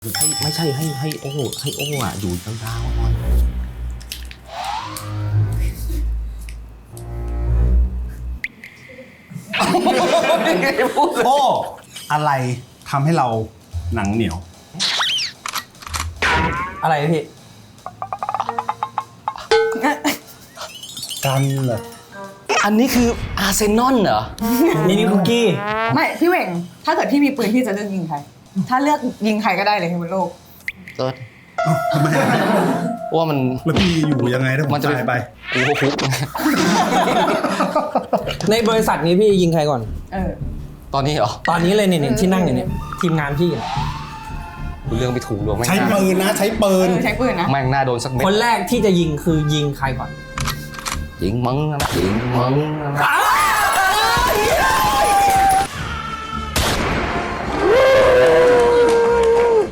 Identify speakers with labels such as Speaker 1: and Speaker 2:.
Speaker 1: ไม่ใช่ให้โอ้อ่ะอยู่ยาวๆหน่อย
Speaker 2: โอ้อะไรทำให้เราหนังเหนียว
Speaker 3: อะไรพี่
Speaker 2: กันเหรอ
Speaker 1: อันนี้คืออาร์เซนอลเหรอ
Speaker 3: นี่คุกกี้
Speaker 4: ไม่พี่เหว่งถ้าเกิดพี่มีปืนพี่จะเลือกยิงใครถ้าเลือกยิงใครก็ได้เลยบนโลก
Speaker 1: เกิด
Speaker 2: ทำไมอะ
Speaker 1: ว่ามัน
Speaker 2: แล้วพี่อยู่ยังไงถ้าผม
Speaker 1: มันจะ
Speaker 2: ตายไป
Speaker 1: กูก็คุก
Speaker 3: ในบริษัทนี้พี่ยิงใครก่อน
Speaker 4: เออ
Speaker 1: ตอนนี้เหรอ
Speaker 3: ตอนนี้เลยเนี่ยที่นั่งอยู่เนี่ยทีมงานพี่อะ
Speaker 1: กูเรื่องไปถูกดวงแม่ง
Speaker 2: ใช้
Speaker 1: หน้า
Speaker 2: ปืนนะ ใช้ปืน
Speaker 4: ใช้ปืนนะ
Speaker 1: แม่งหน้าโดนสักเม็ด
Speaker 3: คนแรกที่จะยิงคือยิงใครก่อน
Speaker 1: ยิงมึงนะยิงมึงนะ